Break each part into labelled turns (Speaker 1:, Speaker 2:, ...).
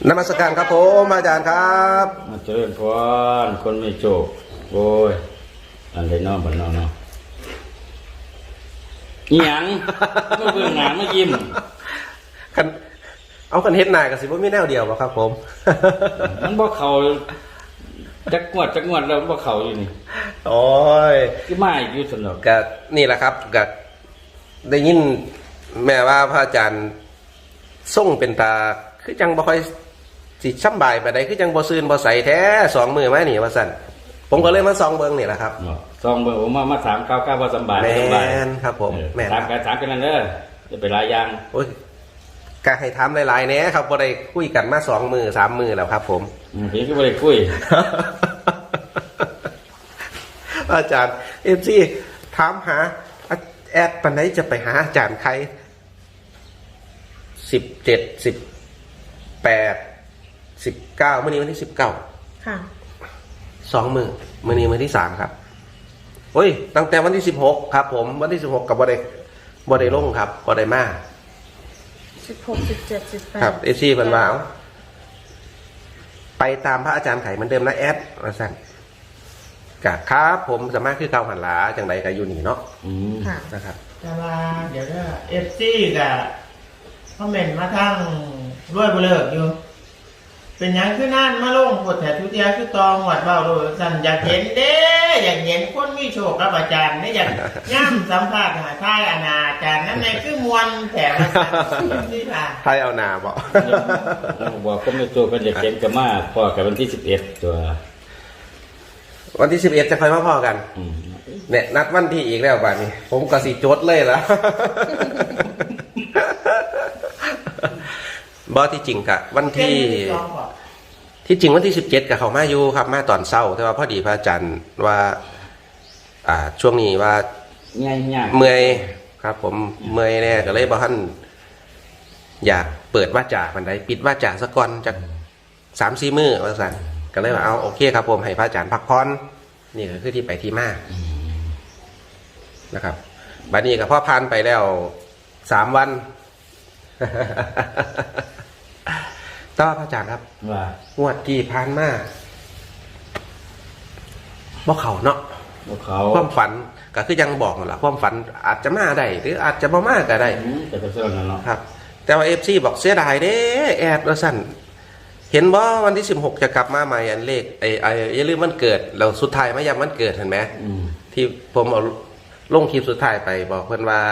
Speaker 1: นมัสการครับผมอาจารย์ครับ
Speaker 2: มาเจริญพรคนไม่โจกโอ้ยอันใดน้องบันน้องเนาะอีหยังก็เบื่อหนาไม่ยิ้ม
Speaker 1: คันเอาคันเฮ็ดหน้ากับสิบ่มีแนวเดียวบ่ครับผม
Speaker 2: มันบ่เขาจักงวดแล้วบ่เขาอยู่นี่
Speaker 1: โอ้ย
Speaker 2: คือมาอยู่สนุก
Speaker 1: ก็นี่แหละครับก็ได้ยินแม่ว่าพระอาจารย์ส่งเป็นตาคือจังบ่ค่อยสิช่ำบายไปได้คือจังบ่ซื่นบ่ใสแท้2มื้อมานี่ว่าซั่นผมก็เลยมาส่องเบิ่งนี่แหละครับ
Speaker 2: ส่องเบิ่งผมมาถามข่าวๆว่าสบาย
Speaker 1: บ่สบายแม่นครับผม
Speaker 2: แม่นถามกันนั่นเด้อจะไปหลายอย่าง
Speaker 1: โอ้ยก็ให้ถามหลายๆแหน่ครับบ่ได้คุยกันมา2มื้อ3มื้อแล้วครับผม
Speaker 2: พี่ก็บ่ได้คุย
Speaker 1: อาจารย์ FC ถามหาแอดปานใดจะไปหาอาจารย์ใคร17 18 19มื้อนี้วันที่19
Speaker 3: ค่ะ
Speaker 1: 2มื้อมื้อนี้มื้อที่3ครับโอ้ยตั้งแต่วันที่16ครับผมวันที่16กับบ่ได้ลงครับบ่ได้มา
Speaker 3: 16 17 18
Speaker 1: ครับFC เพิ่นว่าไปตามพระอาจารย์ไข่เหมือนเดิมนะแอดว่าซั่นกะครับผมสามารถคือเก่าหันหลาจังไดก็อยู่นี่เนาะ
Speaker 3: ค่ะ
Speaker 1: นะครับ
Speaker 4: แต่ว่าเดี๋ยวก็FC กับคอมเมนต์มาทั้งด้วยบ่เลิกอยู่เป็นหยังคือนั่นมาลงกดแถทุเทียคือตองหวัดเบาโดยสั่นอยากเห็นเด้อยากเห็นคนมีโชคกับอาจารย์เนี่ยอยากย่ำสัมภาษณ์หาท่ายอนาอาจารย์นั่นเองคือมวลแถมนี่ค่ะ
Speaker 1: ไทยเอาหนาบอก
Speaker 2: บอกคนไม่โจกกันอยากเห็นกันมากพอกับวันที่11ตัว
Speaker 1: วันที่11จะค่อยมาพอกันเนี่ยนัดวันที่อีกแล้วบ้านนี้ผมก็สิจดเลยละบอที่จริงกะวันที่จริงวันที่17กับเขามาอยู่ครับมาตอนเช้าแต่ว่าพอดีพระอาจารย์ว่าช่วงนี้ว่าเมื่อยครับผมเมื่อยแน่ก็เลยบอกท่านอยากเปิดว่าจ่ามันได้ปิดว่าจ่าสักก่อนจาก3-4 มื้อว่าสั่นก็เลยว่าเอาโอเคครับผมให้พระอาจารย์พักผ่อนนี่ก็คือที่ไปที่มานะครับบัดนี้ก็พอผ่านไปแล้ว3 วันต่อพระอาจารย์ครับงวดที่ผ่านมาบ่เขาเนาะ
Speaker 2: บ่เขา
Speaker 1: ความฝันก็คือยังบอกนั่นล่ะความฝันอาจจะมาได้หรืออาจจะบ่มาก็ได้
Speaker 2: แต่ก็เสื่อมนั่นเนาะ
Speaker 1: ครับแต่ว่า FC บอกเสียดายเด้แอดว่าซั่นเห็นบ่วันที่16จะกลับมาใหม่อันเลขอย่าลืมวันเกิดเราสุดท้ายมาย้ำวันเกิดเห็นไหมที่ผมเอาลงคลิปสุดท้ายไปบอกเพิ่นว่า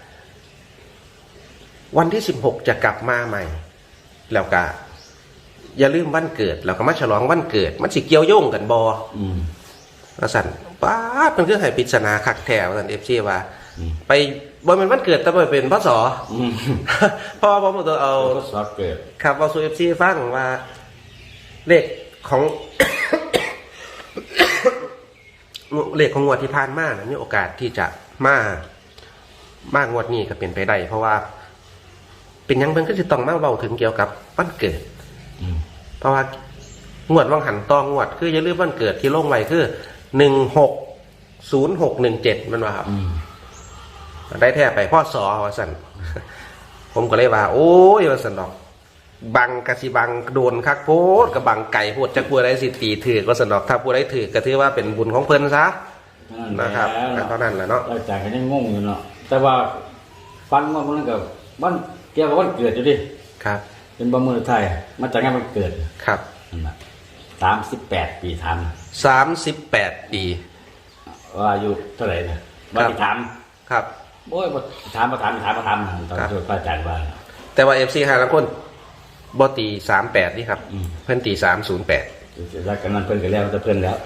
Speaker 1: วันที่16จะกลับมาใหม่แล้วก็อย่าลืมวันเกิดแล้วก็มาฉลองวันเกิดมันสิเกี่ยวโยงกันบ่ว่าซั่นป๊าดมันคือให้ปริศนาคักแท้ว่าซั่น FC ว่าไปบ่แม่นวันเกิดแต่บ่เป็นพศเพราะว่าผมเอา
Speaker 2: พศเกิด
Speaker 1: ครับเอาสู่ FC ฟังว่าเลขของ เลขของงวดที่ผ่านมานะมีโอกาสที่จะมางวดนี้ก็เป็นไปได้เพราะว่าเป็นยังเพิ่นก็จะต้องมาเว้าถึงเกี่ยวกับวันเกิดเพราะว่างวดวังหันตองวดคืออย่าลืมวันเกิดที่ลงไว้คือ160617มันว่าครับได้แท้ไปพ่อสอว่าซั่นผมก็เลยว่าโอ้ยว่าซั่นดอกบังกะสิบังโดนคักโพดกับบังไก่โพดจักผู้ใดสิตีถือว่าซั่นดอกถ้าผู้ใดถือก็ถือว่าเป็นบุญของเพิ่นซะนะครับเท่านั้นแหละเนาะ
Speaker 2: อาจารย์ก็ยังงงอยู่เนาะแต่ว่าฟันว่ามันก็วันเกี่ยวกับวันเกิดอยู่ดิ
Speaker 1: ครับ
Speaker 2: เป็นบ่มื้อไทยมาจากงานวันเกิด
Speaker 1: ครับ
Speaker 2: นั่นน่ะ38 ปีทัน
Speaker 1: 38 ปี
Speaker 2: ว่าอายุเท่าไหร่นะบ่ได้ถาม
Speaker 1: ครับ
Speaker 2: โอ้ยบ่ถามตอนช่วยพระอาจารย์ว่า
Speaker 1: แต่ว่า FC หาละคนบ่ตี38นี่ครับเพิ่นตี308
Speaker 2: แล้วกันนั้นเพิ่นก็แล้วแต่เพิ่นแล้ว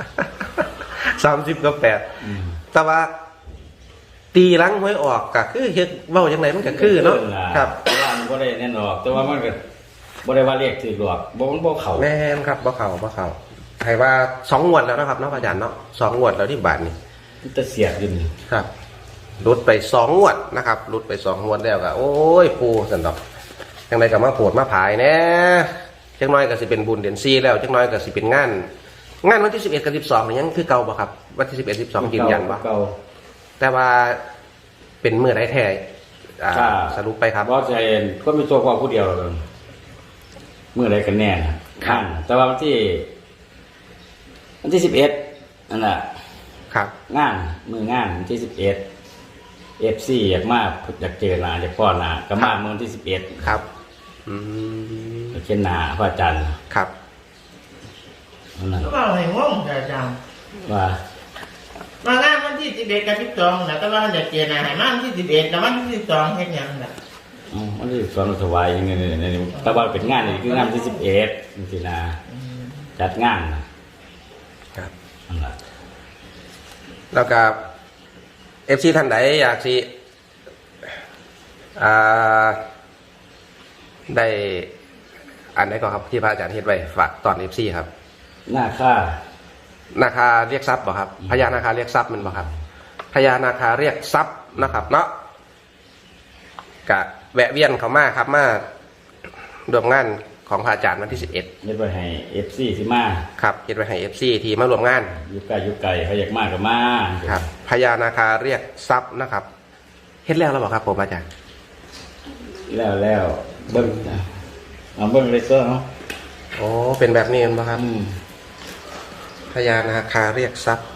Speaker 1: 30กับ8แต่ว่าตีหลังหวยออกก็คือเฮ็ดเว้าจังไดมันก็คือเนาะครับ
Speaker 2: แต่ว่ามันบ่ได้แน่นอนแต่ว่ามันก็บ่ได้ว่าเลขถูกหรอกบ่มันบ่เข้า
Speaker 1: แม่นครับบ่เข้าให้ว่า2 งวดแล้วนะครับเนาะอาจารย์เนาะ2 งวดแล้วที่บาทนี่
Speaker 2: มันจะเสียดอยู่นี่
Speaker 1: ครับหลุดไป2 งวดนะครับหลุดไป2 งวดแล้วก็โอ้ยปู่ซั่นดอกจังไดก็มาโปรดมาผายแน่จังน้อยก็สิเป็นบุญเดือน4แล้วจังน้อยก็สิเป็นงานวันที่11กับ12นี่ยังคือเก่าบ่ครับวันที่11 12ยืนยันบ่
Speaker 2: เก่า
Speaker 1: แต่ว่าเป็นมื้อใดแท้สรุปไปครับ
Speaker 2: บ่ใช่คนมีตัวความผู้เดียวเลยเมื่อไรกันแน่นะข้างแต่ว่าวันที่11นั่นแหละ
Speaker 1: ครับ
Speaker 2: งานมืองานวันที่11 FC อยากมาอยากเจอหน้าอยากพ่อหน้าก็มาเมื่อวันที่11
Speaker 1: ครับอืม
Speaker 2: ไปเช่นหน้าพระอาจารย์
Speaker 1: ครับ
Speaker 2: นั่นน่ะ
Speaker 4: ก็บอกให้งงแต่จัง
Speaker 2: ว่าม
Speaker 4: างานวันที่11กับ12นะแต่ว่าเด็กเจนะให้มาวันที่11แล้ววันที่12เฮ็ดหยังน่ะ
Speaker 2: วันที่สอนถวายยังไงเนี่ยแต่ว่าเป็นงานนี่คืองานวันที่11จริงๆนะจัดงานนะครับ นั่นแหละ
Speaker 1: แล้วก็FC ท่านใดอยากสิได้อันไหนก็ครับที่พระอาจารย์เฮ็ดไว้ฝากตอน FC ครับ
Speaker 2: หน้าค่า
Speaker 1: นาคาเรียกทรัพย์บ่ครับพญานาคาเรียกทรัพย์มันบ่ครับพญานาคาเรียกทรัพย์นะครับเนาะกะแวะเวียนเขามาครับมาร่วมงานของพระอาจารย์วันที่11
Speaker 2: เฮ็ดไว้ให้ FC สิมา
Speaker 1: ครับเฮ็ดไว้ให้ FC ที่มาร่วมงาน
Speaker 2: อยู่ไกลอยู่ไกลเขาอยากมากก็มา
Speaker 1: ครับพญานาคาเรียกทรัพย์นะครับเฮ็ดแล้วหรือเปล่าครับผมอาจารย์
Speaker 2: แล้วเบิ่งเอาเบิ่งเลยตัวเนาะ
Speaker 1: โอ้เป็นแบบนี้มั้งครับพญานาคาเรียกทรัพย์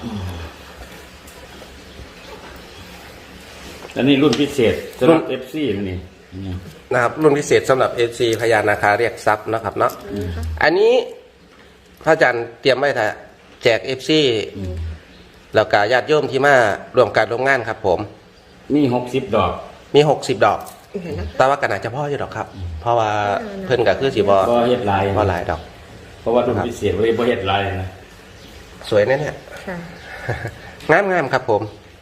Speaker 2: อันนี้รุ่นพิเศษสำหรับ FC มันนี่
Speaker 1: นะครับรุ่นพิเศษสำหรับ FC พญานาคาเรียกทรัพย์นะครับเนาะอันนี้พระอาจารย์เตรียมไว้ถ้าแจก FC แล้วก็ญาติโยมที่มาร่วมการร่วมงานครับผม
Speaker 2: มี60 ดอก
Speaker 1: มี60 ดอก แต่ว่าก็น่าจะพ่ออยู่ดอกครับ เพราะว่าเพิ่นก็คือสิบ่
Speaker 2: บ่เฮ็ดลาย
Speaker 1: บ่หลายดอก
Speaker 2: เพราะว่ารุ่นพิเศษเลยบ่เฮ็ดลายนะ
Speaker 1: สวยแน่เนี่ย
Speaker 3: ค่ะ
Speaker 1: งามครับผม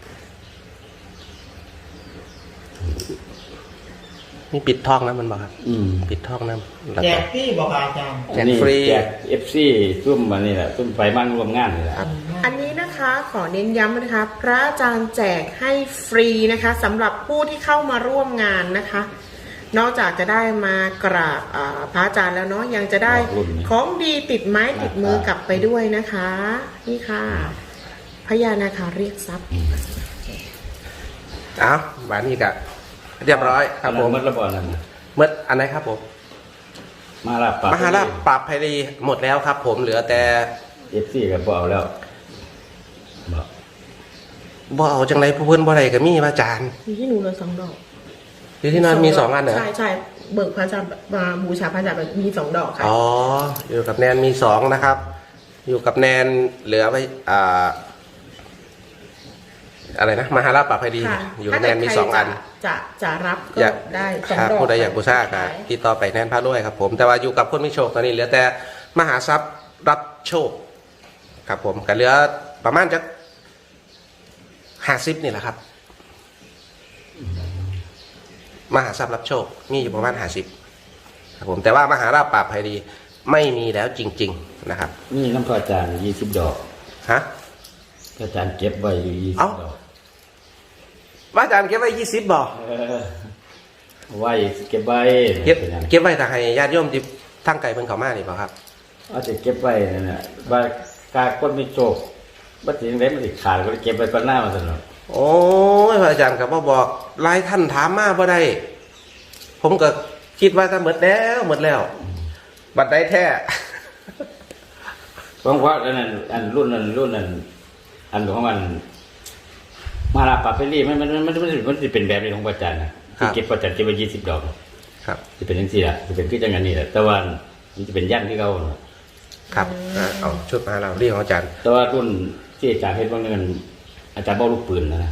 Speaker 1: มีปิดทองนะมันบอกครับปิดทองนะแล้ว
Speaker 4: แจ
Speaker 1: ก็
Speaker 4: กพี่บอกอาจารย์
Speaker 1: แจกฟรี
Speaker 2: แจก FC ซุ่มมานี่แหละซุ่มไปมั่งรวมงานนี่แหละ
Speaker 3: อันนี้นะคะขอเน้นย้ำนะคะ พระอาจารย์แจกให้ฟรีนะคะสำหรับผู้ที่เข้ามาร่วมงานนะคะ นอกจากจะได้มากราบพระอาจารย์แล้วเนาะยังจะได้ของดีติดไม้ติดมือกลับไปด้วยนะคะ นี่ค่ะพญานาคาเรียกทรัพย์
Speaker 1: เอาบานนี้ก็เรียบร้อยครับผม
Speaker 2: มัดระบอนั่นน่ะ
Speaker 1: เมื่ออันไหนครับผม
Speaker 2: มาลาบปาก
Speaker 1: มหาราชปราบภัยรีหมดแล้วครับ ผมเหลือแต่
Speaker 2: FC ก็บ่เอาแล้วบ่
Speaker 1: บ่เอาจังไรผู้เพิ่นบ่ได้ก็มีพระอาจารย์
Speaker 3: มีที่หนูเลย2 ดอก
Speaker 1: อยู่ที่นั่นมี2อันเหรอ
Speaker 3: ใช่เบิกพระอาจารย์มาบูชาพระอาจารย์มี2 ดอกค่ะ
Speaker 1: อ๋ออยู่กับแนนมี2นะครับ อยู่กับแนนเหลือไปอะไรนะมหาราชปราบภัยรี
Speaker 3: ค่ะ
Speaker 1: อยู่กับแนนมี2อัน
Speaker 3: จะรับก็
Speaker 1: อยาก
Speaker 3: ได้2
Speaker 1: ครับ
Speaker 3: ดอก
Speaker 1: ผู้ใดอยากบูชาครับติดต่อไปแน่นพระด้วยครับผมแต่ว่าอยู่กับคนไม่โชคตอนนี้เหลือแต่มหาทรัพย์รับโชคครับผมก็เหลือประมาณจะ50นี่แหละครับ มหาทรัพย์รับโชคมีอยู่ประมาณ50ครับผมแต่ว่ามหาราชปราบภัยรีไม่มีแล้วจริง ๆนะครับ
Speaker 2: นี่น้ำพระอาจารย์20 ดอก
Speaker 1: ฮะ
Speaker 2: พระอาจารย์เก็บไว้อยู่20
Speaker 1: เอ้า
Speaker 2: ดอก
Speaker 1: ว่าอาจารย์เก็บไว้20บ่
Speaker 2: ไว้เก็บไว้
Speaker 1: เก็บไว้ถ้าให้ญาติโยมที่ทั้งไกลเพิ่นเข้ามานี่บ่ครับ
Speaker 2: เอาจะเก็บไว้นั่นน่ะว่ากาคนมีโชคบ่สิจังได๋มันสิขาดก็เลยเก็บไว้ก่อนหน้ามาซั่นเนาะ
Speaker 1: โอ้ยพระอาจารย์ก็บ่บอกหลายท่านถามมาบ่ได้ผมก็คิดว่าถ้าหมดแล้วบัดได้แท้
Speaker 2: เพราะว่าอันนั้นอันรุ่นนั้นอันของมันมาลาปาเปรี่มันสิเป็นแบบนี้ของพระอาจารย์นะที่เก็บพระอาจารย์เก็บไว้20 ดอก
Speaker 1: ครับ
Speaker 2: สิเป็นจังซี่ล่ะสิเป็นคือจังนั้นนี่แหละแต่ว่ามันจะเป็นยันที่เขาเนาะ
Speaker 1: ครับเอาชุดมาเราเรียกของอาจารย์
Speaker 2: แต่ว่ารุ่นที่อาจารย์เฮ็ดบางเงินอาจารย์บ่ลูกปืนนะ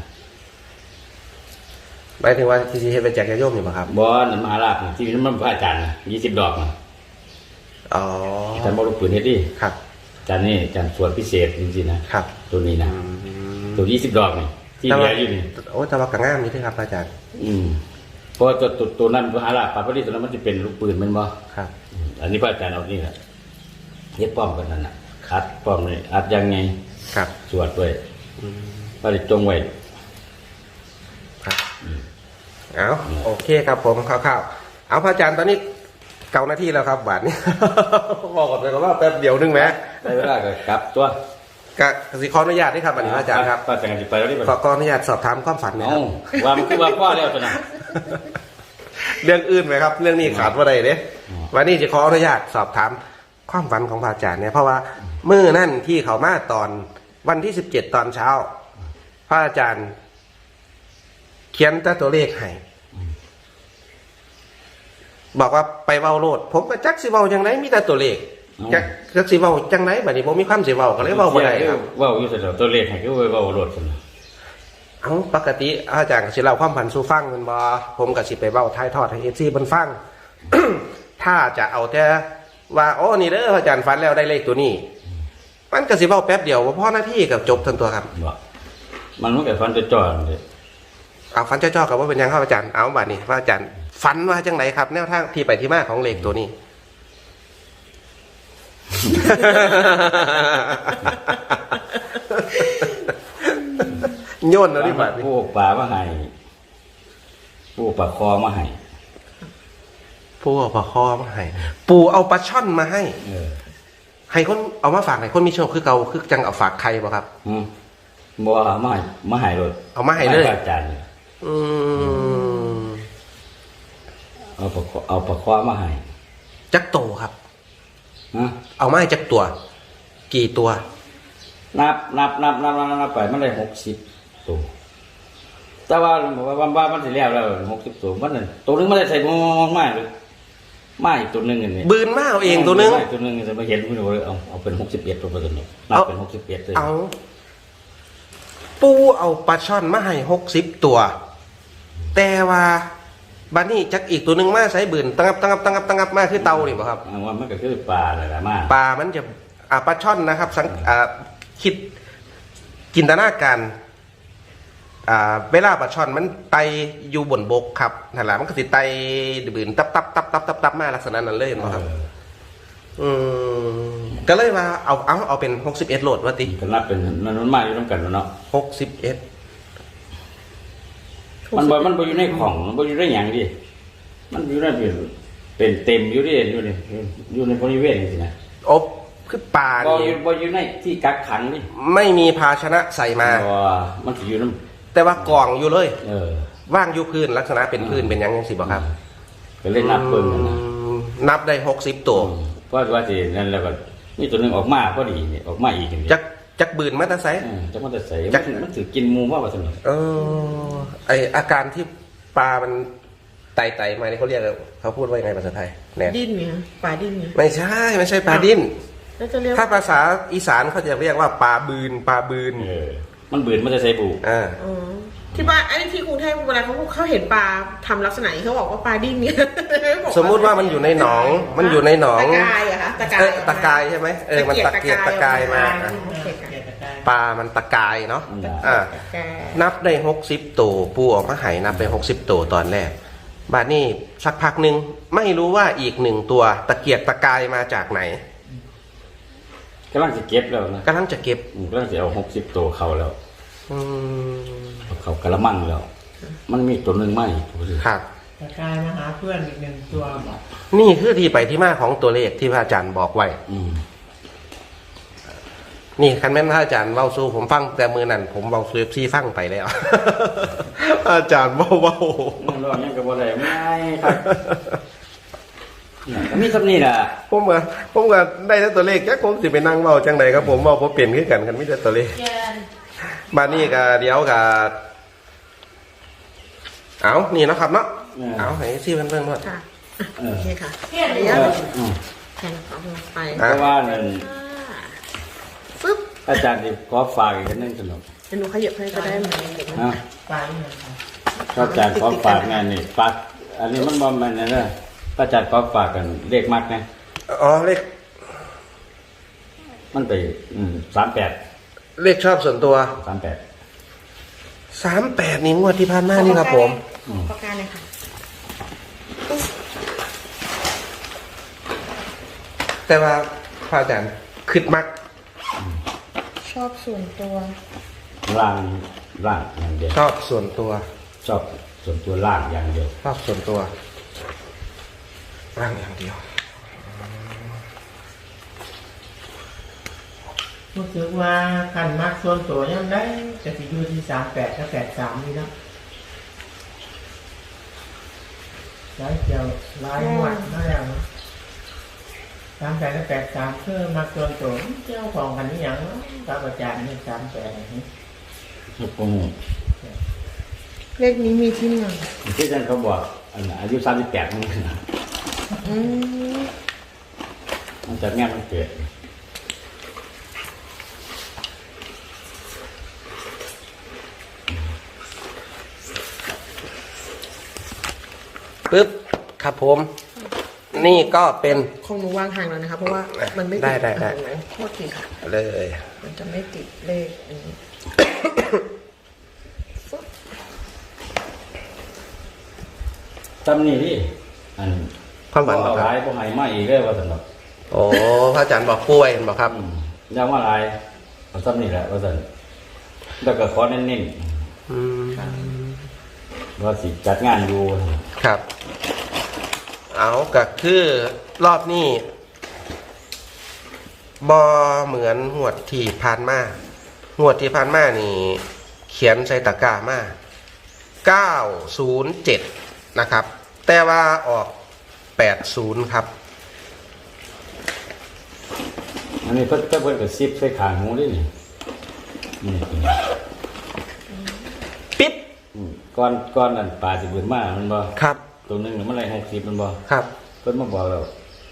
Speaker 1: หมายถึงว่าที่เฮ็ดไปแจกญาติโยมนี่บ่ครับ
Speaker 2: บ่นั่นมหาราชน่ะที่มันพระอาจารย์น่ะ20 ดอกน่ะ
Speaker 1: อ๋อ
Speaker 2: อาจารย์บ่ลูกปืนเฮ็ดดิ
Speaker 1: ครับ
Speaker 2: อาจารย์นี่อาจารย์สวนพิเศษจริงๆนะครับ ตัวนี้นะ
Speaker 1: อืม
Speaker 2: ตัว20 ดอกนี่ที่เหลืออยู่นี่
Speaker 1: โอ้แต่ว่าก็งามนี่ที่ครับอาจารย์
Speaker 2: เพราะตัวนั้นมหาราชปาปริตัวนั้นมันจะเป็นลูกปืนแมันบ่
Speaker 1: ครับ
Speaker 2: อันนี้พระอาจารย์เอานี่แหละเฮ็ดป้อมกันนั่นน่ะคัดป้อมนี่อัดยังไง
Speaker 1: ครับ
Speaker 2: สวดด้วย
Speaker 1: อืม
Speaker 2: พระได้จงไว้
Speaker 1: ครับเอาโอเคครับผมคร่าวๆเอาพระอาจารย์ตอนนี้เก่าหน้าที่แล้วครับบาทนี้ บอกก่อนเลยว่าแป๊บเดียวนึงไหม
Speaker 2: ได้เวลาก็กลับตัว
Speaker 1: กสิขออนุญาตด้วยครับบัดนี้พระอาจารย์ครับ
Speaker 2: พระอาจารย์สิไปแล้วนี่บัด
Speaker 1: ขออนุญาตสอบถามความฝันหนะค
Speaker 2: เอ้า
Speaker 1: รับ
Speaker 2: ว่ามันคือว่าพ่อแล้วตัวน่ะ
Speaker 1: เรื่องอื่นไหมครับ เรื่องนี้ขาดว่าใดเด้
Speaker 2: อ
Speaker 1: วันนี้จะขออนุญาตสอบถามความฝันของพระอาจารย์เนี่ยเพราะว่ามื้อนั่นที่เขามาตอนวันที่17ตอนเช้าพระอาจารย์เขียนตัวเลขให้บอกว่าไปเว้าโลดผมก็จักสิเว้าจังไดมีแต่ตัวเลขจักสิเว้าจังไดบัดนี้บ่มีความสิเว้าก็เลยเว้าบ่ได้ครับ
Speaker 2: เว้าอยู่แต่ตัวเลขให้คือเว้าโลดซั่น
Speaker 1: ปกติอาจารย์ก็สิเล่าความฝันสู่ฟังแม่นบ่ผมก็สิไปเว้าถ่ายทอดให้ FC เพิ่นฟัง ถ้าจะเอาแต่ว่าโอ้นี่เด้ออาจารย์ฝันแล้วได้เลขตัวนี้มันก็สิเว้าแป๊บเดียวบ่พอนาทีก็จบทันตัวครับ
Speaker 2: บ่มันก็ฟันจะจ่อๆเลย
Speaker 1: เอาฝันจ้อๆกับว่าเป็นยังครับอาจารย์เอาบัดนี้ว่าอาจารย์ฝันว่าจังไหนครับแนวทางที่ไปที่มาของเลขตัวนี้ โยนเอาดิบัดนี้
Speaker 2: ผู้ปลามาให้ผู้ปลาคอมาให้
Speaker 1: ปูเอาปลาคอมาให้ปูเอาปลาช่อนมาให้ ให้คนเอามาฝากให้คนมีโชคคือเก่าคือจังเอาฝากใครบ่ครับ
Speaker 2: บ่มาให้เลย
Speaker 1: เอามาให้เลย
Speaker 2: อาจารย์
Speaker 1: อืม
Speaker 2: เอาปลาคอมาให้
Speaker 1: จักโตครับ
Speaker 2: ฮะ
Speaker 1: เอามาให้จักตัว กี่ตัว
Speaker 2: นับไปมันได้60ตัวแต่ว่ามันสิแล้ว60ตัวมันนั่นตัวนึงมันได้ใส่มากเลยมาอีกตัวนึงอันนี้
Speaker 1: บืนมาเอาเองตัวนึง
Speaker 2: ตัวนึงจะมาเห็นคุณเลยเอาเป็น61ตัวเปอร์เซ็นต์นับเป็น61เลย
Speaker 1: เอาปูเอาปลาช่อนมาให้60ตัว แต่ว่าบัดนี้จักอีกตัวหนึ่งมาใส่บืนตั้งับมาคือเตานี่บ่ครับ
Speaker 2: ว่ามันก็คือปลาอะไรมา
Speaker 1: ปลามันจะปลาช่อนนะครับคิดจินตนาการเวลาปลาช่อนมันไตอยู่บนบกครับนั่นแหละมันก็สิไตบืนตับมาลักษณะนั้นเลยเห็นบ่ครับก็เลยว่าเอาเป็น61โหลดว่าติ
Speaker 2: ก็นับเป็นมันมากอยู่ต้องกันเนาะ
Speaker 1: 61
Speaker 2: มันบ่อยู่ในของมันบ่อยู่ในหยังดิมันอยู่ในเป็นเต็มอยู่ดิอยู่ในบริเวณนี่นะ
Speaker 1: อบคือปลา
Speaker 2: บ่
Speaker 1: นี่
Speaker 2: อยู่ในที่กักขังนี่
Speaker 1: ไม่มีภาชนะใส่มา
Speaker 2: มันสิอยู่นำ
Speaker 1: แต่ว่ากล่องอยู่เลย
Speaker 2: ว่
Speaker 1: างอยู่พื้นลักษณะเป็นพื้นเป็นหยังสิบ่ครับ
Speaker 2: ก็เลยนับเบิ่งนั่นน่ะ
Speaker 1: นับได้60ตัว
Speaker 2: เพราะว่าสินั่นแล้วก็มีตัวนึงออกมาพอดีนี่ออกมาอีกนี่
Speaker 1: จักบืนมาแตาไซ
Speaker 2: จักมันจะใส่มันสิกินหมูว่าซั่น
Speaker 1: ไออาการที่ปลามันไต่มาเนี่ยเขาเรียกเขาพูดว่ายังไงภาษาไทยเนี่ย
Speaker 3: ดิ้นเนี่ยปลาดิ้นเนี่ย
Speaker 1: ไม่ใช่ปลาดิ้น
Speaker 3: แล้วจะเรียก
Speaker 1: ถ้าภาษาอีสานเขาจะเรียกว่าปลาบืน
Speaker 2: มันบืนมันจะใส่บู
Speaker 3: อ๋อที่บ้านไอ้ที่กรุงเทพเวลาเขาเห็นปลาทำลักษณะนี้เขาบอกว่าปลาดิ้นเนี่ย
Speaker 1: สมมุติว่ามันอยู่ในหนองตะกาย
Speaker 3: อะคะตะกาย
Speaker 1: ใช่ไหมมันตะเกียกตะกายมาปลามันตะกายเนาะนับได้60ตัวปูออกมาให้นับได้60ตัวตอนแรกบาดนี้สักพักหนึ่งไม่รู้ว่าอีก1ตัวตะเกียกตะกายมาจากไหน
Speaker 2: กำลังจะเก็บแล้วนะ
Speaker 1: กำลังจะเก็บ
Speaker 2: กำลังจะเอา60ตัวเข้าแล้วเขากระมังแล้ว มันมีตัวหนึ่งไหม
Speaker 1: ครับ
Speaker 4: ตะกายมาหาเพื่อนอีก1ตัวบอก
Speaker 1: นี่คือที่ไปที่มาของตัวเลขที่พระอาจารย์บอกไว้นี่คันแม่นพระอาจารย์เว้าสู้ผมฟังแต่มือนั่นผมเว้าสู้ซี่ฟังไปแล้ว อาจารย์เว้า
Speaker 2: นั่นรอยังกับอะไรไม่ครับมีคำนี้แหละ
Speaker 1: ผมก็ได้แต่ตัวเลขแค่ผมสิไปนั่งเว้าจังไดครับผมเว้าบ่เป็นคือกันมีแต่ตัวเลขมานี่ก็เดี๋ยวก็เอานี่เนาะครับเนาะเอาให้ซี่เพิ่นด้วย
Speaker 3: ค่ะโอเคค่ะแค่เอาลงไป
Speaker 2: เพราะว่านั่น
Speaker 3: ปึ๊บ
Speaker 2: อาจารย์ที่ขอฝากอีกนึงสนุก
Speaker 3: เดี๋ยวหนูขยับให้ก็ได้ไหม
Speaker 4: ไปเนี่ยครับ
Speaker 2: อาจารย์ขอฝากงานนี่ฝากอันนี้มันบ่แม่นนะอาจารย์ขอฝากกันเลขมักนะ
Speaker 1: อ๋อเลข
Speaker 2: มันไป38
Speaker 1: เลขชอบส่วนตัว
Speaker 2: 38
Speaker 1: 38นี่งวดที่ผ่านมานี่ครับผม
Speaker 3: ประการเลยค่ะ
Speaker 1: แต่ว่าพระอาจารย์คิดมัก
Speaker 3: ชอบส่วนตัว
Speaker 2: ล่างอย่างเดียว
Speaker 1: ชอบส่วนตัว
Speaker 2: ชอบส่วนตัวล่างอย่างเดียว
Speaker 1: ชอบส่วนตัวร่างอย่างเดียว
Speaker 4: รู้สึกว่าขันมักส่วนตัวยังได้จะสิอยู่ที่38กับ83นี่เนาะหลายเกี่ยวหลายหมวดนั่นแหละ 38กับ83คือมักส่วนตัวเจ้าของกันนี่หยังเนาะกับอาจารย์นี่38นี่
Speaker 2: ลูกปู
Speaker 3: เลขนี้มีที่มา
Speaker 2: ที่อาจารย์เขาบอกอายุ38มันนะ
Speaker 3: อืม
Speaker 2: มันจะงานมันเกิด
Speaker 1: ปึ๊บครับผม นี่ก็เป็น
Speaker 3: ของหนูวางห่างแล้วนะคะเพราะว่ามันไม่ติ
Speaker 1: ได้
Speaker 3: ตรงนั้นโทษทีค่ะ
Speaker 1: เลย
Speaker 3: มันจะไม่ติดเลขอันนี้
Speaker 2: ตำนี่ดิอัน
Speaker 1: ความฝัน
Speaker 2: เอา
Speaker 1: ครั
Speaker 2: หลาย
Speaker 1: บ
Speaker 2: พวกไห้มาอีกเลยว่าสนุก
Speaker 1: โอ้พระอาจารย์บอกป่วยบอกครับ
Speaker 2: ยาวว่าหลายเอาตำนี่แหละว่าสนุกแล้วก็ขอเน้น
Speaker 1: อืม
Speaker 2: ๆว่าสิจัดงานอยู่
Speaker 1: ครับ เอาก็คือรอบนี้บอเหมือนหวดที่ผ่านมาหวดที่ผ่านมานี่ เขียนใส่ตะกร้ามา907นะครับ แต่ว่าออก80ครับ
Speaker 2: อันนี้เพิ่นกับซิปใส่ขางหูด้วยนี่นี่
Speaker 1: ปิ๊บ
Speaker 2: ก้อนนั่นปลาสิเบิดมามันบ่
Speaker 1: ครับ
Speaker 2: ตัวหนึงมันอะไร60มันบ่
Speaker 1: ครับ
Speaker 2: เพิ่นมาบอกแล้ว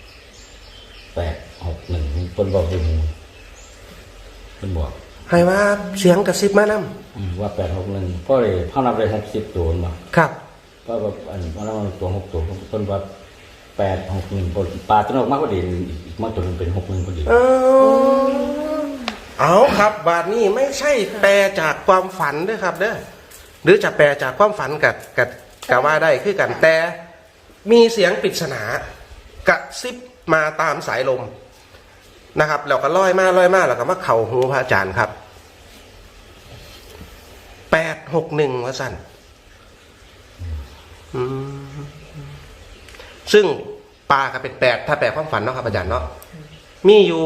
Speaker 2: 861เพิ่นบอกอยู่เพิ่นบอก
Speaker 1: ให้ว่าเสียงกระซิบมานำ
Speaker 2: ว่า861เพราะเลยเฮานับได้60ตัวมันบ่
Speaker 1: ครับ
Speaker 2: ก็แบบอันว่ามันตัว6ตัวเพิ่นว่า861ปลาตัวออกมาพอดีอีกมาตัวนึงเป็น61พอดี
Speaker 1: เอาครับบาทนี้ไม่ใช่แปลจากความฝันด้วยครับเด้อหรือจะแปลจากความฝันกับว่าได้คือกันแต่มีเสียงปริศนากระซิบมาตามสายลมนะครับแล้วก็ลอยมาแล้วก็มาเข่าหูพระอาจารย์ครับ861ว่าสั่นซึ่งปลาก็เป็น8ถ้าแปลความฝันเนาะครับอาจารย์เนาะมีอยู่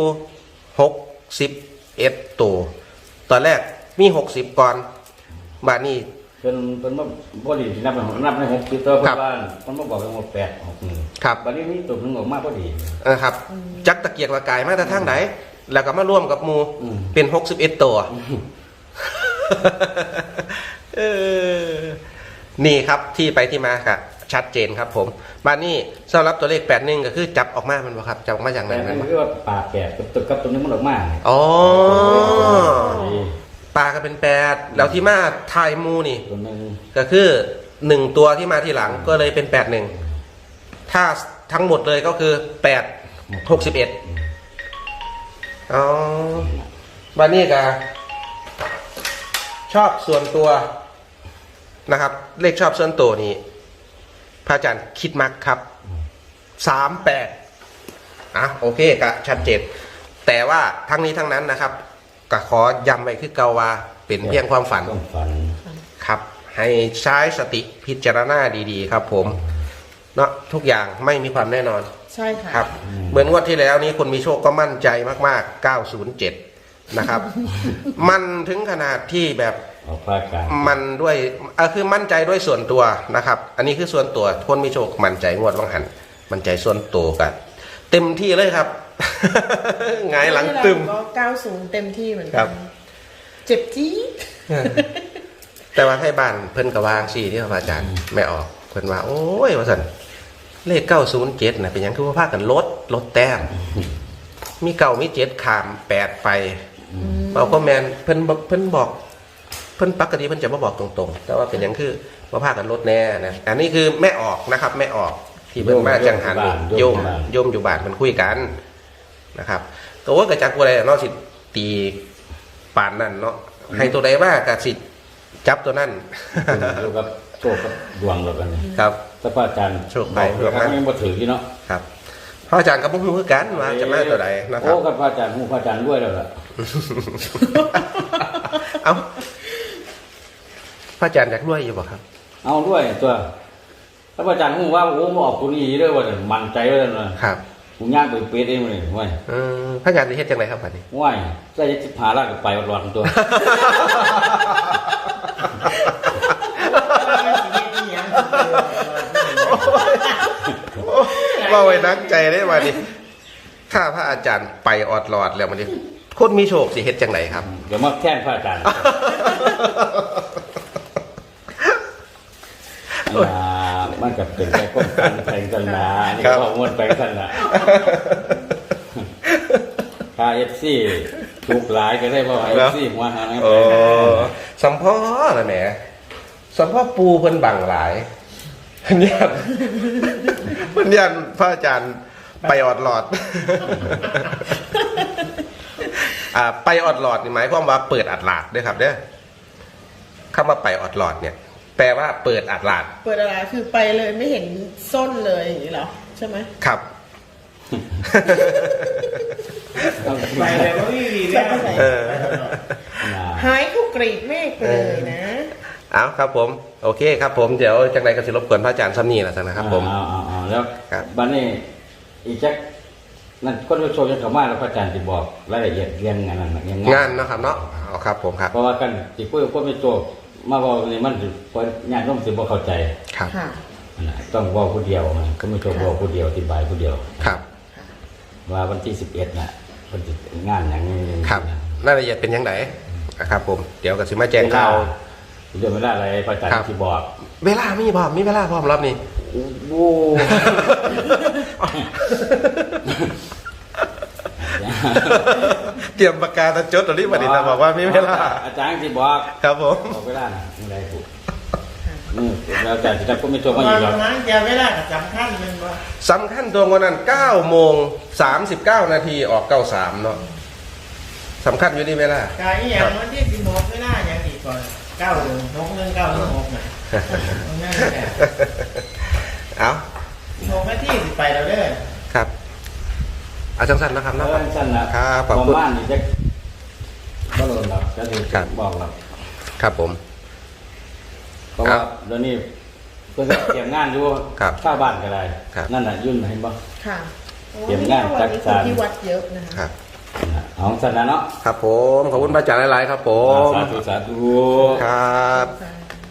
Speaker 1: 61ตัวตอนแรกมี60ก่อนบาทนี้
Speaker 2: เพิ่นมาบ่ดีนับใน60ตัวเพิ่นว่าเพิ่นมาบอกว่า861
Speaker 1: ครับ
Speaker 2: บัดนี้มีตัวนึงออกมาพอดี
Speaker 1: นะครับจักตะเกียกตะกายมาแต่ทางไหนแล้วก็มาร่วมกับหมู
Speaker 2: อืม
Speaker 1: เป็น61ตัวเออนี่ครับที่ไปที่มาครับชัดเจนครับผมบ้านนี้สำหรับตัวเลข81ก็คือจับออกมามันบ่ครับจับออกมาอย่างไร
Speaker 2: แต่
Speaker 1: มั
Speaker 2: มัน น
Speaker 1: บ่
Speaker 2: คือว่าปลาแปดกับตัวนึงมันออกมา
Speaker 1: อ๋อปลาก็เป็น8แล้วที่มาทายหมูนี่
Speaker 2: ตัวนึง
Speaker 1: ก็คือ1ตัวที่มาทีหลังก็เลยเป็น81ถ้าทั้งหมดเลยก็คือ861อ๋อบ้านนี้ก็ชอบส่วนตัวนะครับ เลขชอบส่วนตัวนี้พระอาจารย์คิดมักครับ38โอเคก็ชัดเจนแต่ว่าทั้งนี้ทั้งนั้นนะครับก็ขอย้ำไว้คือเกาว่าเป็นเพียงความฝัน
Speaker 2: ต้องฝัน
Speaker 1: ครับ ให้ใช้สติพิจารณาดีๆครับผมเนาะทุกอย่างไม่มีความแน่นอน
Speaker 3: ใช่ค่ะ
Speaker 1: ครับ เหมือนงวดที่แล้วนี้คนมีโชคก็มั่นใจมากๆ907นะครับ มันถึงขนาดที่แบบ
Speaker 2: ออกภาคกลาง
Speaker 1: มันด้วยคือมั่นใจด้วยส่วนตัวนะครับ อันนี้คือส่วนตัวคนมีโชคมั่นใจงวดวังหันมั่นใจส่วนตัวกันเต็มที่เลยครับ หงายหลังตึม
Speaker 3: ก็90เต็มที่เหมือน
Speaker 1: ครั
Speaker 3: กับ นเจ็บจี๊ด
Speaker 1: แต่ว่าไทยบ้านเพิ่นกระวางสี่ที่พระอาจารย์ไม่ออกเพิ่นว่าโอ้ยว่าสันเลข907นะเป็นหยังคือว่าพากันลดแต้มมี9มี7ขาม8ไปเอาก็แมนเพิ่นบอกเพิ่นปกติเพิ่นจะมาบอกตรงๆ แต่ว่าเป็นหยังคือว่าพากันลดแน่นะอันนี้คือแม่ออกนะครับแม่ออกที่เพิ่นมาจังหันโยมอยู่บ้านมันคุยกันนะครับตัวว่ากระจักอะไรเนาะสิตีปานนั่นเนาะให้ตัวใดว่ากระสิจับตัวนั่น
Speaker 2: อยู่กับโชคกับดวงเรากันนี่
Speaker 1: ครับ
Speaker 2: ถ้าพระอาจารย์
Speaker 1: โชคไป
Speaker 2: บอก
Speaker 1: ดวงนั้น
Speaker 2: ยังบ่ถือที่เนาะ
Speaker 1: ครับพระอาจารย์ก็บ่ฮู้คือกันว่าจะมาตัวใดนะครับ
Speaker 2: โอ้กับพระอาจารย์ฮู้พระอาจารย์ด้วยแล้วล่ะ
Speaker 1: เอาพระอาจารย์อยากรวยอยู่บ่ครับ
Speaker 2: เอาด้วยตัวถ้าพระอาจารย์ฮู้ว่าโอ้มาออกตัวนี้เด้อว่ามั่นใจไว้แล้วนะครับ กูย่างไปเป๊ะเองเลยว้ย
Speaker 1: พระอาจารย์จะเฮ็ดจังไดครับบัดนี้
Speaker 2: ว้ยใส่15ล้านก็ไปวัดๆตัว
Speaker 1: ว่าไว้นักใจได้บัดนี้ถ้าพระอาจารย์ไปออดหลอดแล้วมันจะคนมีโชคสิเฮ็ดจังไหนครับ
Speaker 2: เดี๋ยวมาแท่นพระอาจารย์มันกับเป็นแค่ก้มกันแทงกันนะนี่ก็ม้วนไปกันนะถ้าFC ถูกหลายก็ได้ว่า FC หัวหาง
Speaker 1: โอ้สัมพ่อละแหมสัมพ่อปูเพิ่นบังหลายเพิ่นยันพระอาจารย์ไปออดหลอด ไปออดหลอดนี่หมายความว่าเปิดอัดหลาดด้วยครับเด้อคำว่าไปออดหลอดเนี่ย แปลว่าเปิดอัดหลาด
Speaker 3: เปิดอะไรคือไปเลยไม่เห็นส้นเลยอย่างนี้เหรอใช่ไหม
Speaker 1: ครับ
Speaker 4: ไปเลยว่าพี่วีเนี่ย
Speaker 3: หายเข้ากรีดเมฆไปเลยนะ
Speaker 1: เอาครับผมโอเคครับผมเดี๋ยวจังไรก็สิรบกวนพระอาจารย์ซ้ำนี่แหละนะครับผม
Speaker 2: แล้ว
Speaker 1: ครับ
Speaker 2: บัดนี้อีกจักนั่นก็โชว์จะเข้ามาแล้วพระอาจารย์จะบอกรายละเอียดเรื่องงานนั้นเรื่อง
Speaker 1: งานเนาะครับเนาะเอาครับผมครับ
Speaker 2: เพราะว่ากันที่พูดก็ไม่ตัวมาบอกนี่มันเพราะญาติโยมสิบ่เข้าใจ
Speaker 1: ครับ
Speaker 3: ค่ะ
Speaker 2: นะต้องบอกผู้เดียวนะก็ไม่ตัวบอกผู้เดียวอธิบายผู้เดียว
Speaker 1: ครับ
Speaker 2: ว่าวันที่11น่ะเพิ่นสิงานอย่างนี้
Speaker 1: ครับรายละเอียดเป็นยังไงนะครับผมเดี๋ยวก็สิมาแจ้งข่าว
Speaker 2: เรื่องเวลาอะไรพระอาจารย์ที่บอก
Speaker 1: เวลามีพร้อมมีเวลาพร้อมรอบนี้
Speaker 2: โอ้
Speaker 1: เตรียมปากกาตะจดตัวนี้มาดินะบอกว่ามีเวลา
Speaker 2: อาจารย์ที่บอก
Speaker 1: ครับผม
Speaker 2: บอกเวลาน่ะไม่ได้ถูกแล้วแต่ที่ท่านก็ไม่ตัวมา
Speaker 4: ต
Speaker 2: อ
Speaker 4: อน
Speaker 2: ยู่หรอก
Speaker 4: นั้นแกไม่ได้กับจำขั้นเป็นว่า
Speaker 1: สำคัญตรงวันนั้น9โมง39นาทีออก93เนาะสำคัญอยู่ที่เวลา
Speaker 4: การอีอย่างวันที่16ไม่ได้อย่างอีกก่อน916นะนั่นแหละ
Speaker 1: เอา
Speaker 4: 16นาทีสิไปแล้วเด้อ
Speaker 1: ครับเอาสั้นๆนะครับ
Speaker 2: เอ
Speaker 1: เนาะ
Speaker 2: อสั้นนะครับ
Speaker 1: ขอบคุณ
Speaker 2: บ้านนี่จะบ่โดนหรอกจะถูก
Speaker 1: ครับ
Speaker 2: บอกหรอก
Speaker 1: ครับผม
Speaker 2: เพราะว่าเดี๋ยวนี้เพื่อนเตรียมงานอยู่
Speaker 1: ครับ
Speaker 2: ข้าวบ้านก็ได้
Speaker 1: ครับ
Speaker 2: นั่นน่ะยุ่นเห็นบ่
Speaker 3: ค่ะ
Speaker 2: เตรียมงาน
Speaker 3: วันนี้
Speaker 2: จั
Speaker 3: คน
Speaker 2: ดการ
Speaker 3: ที่วัดเยอะนะคะ
Speaker 1: ครับ
Speaker 2: เอาสั้นนะเนาะ
Speaker 1: ครับผมขอบคุณพระอาจารย์หลายๆครับผม
Speaker 2: สาธุสาธุ
Speaker 1: ครับ
Speaker 3: ค่ะ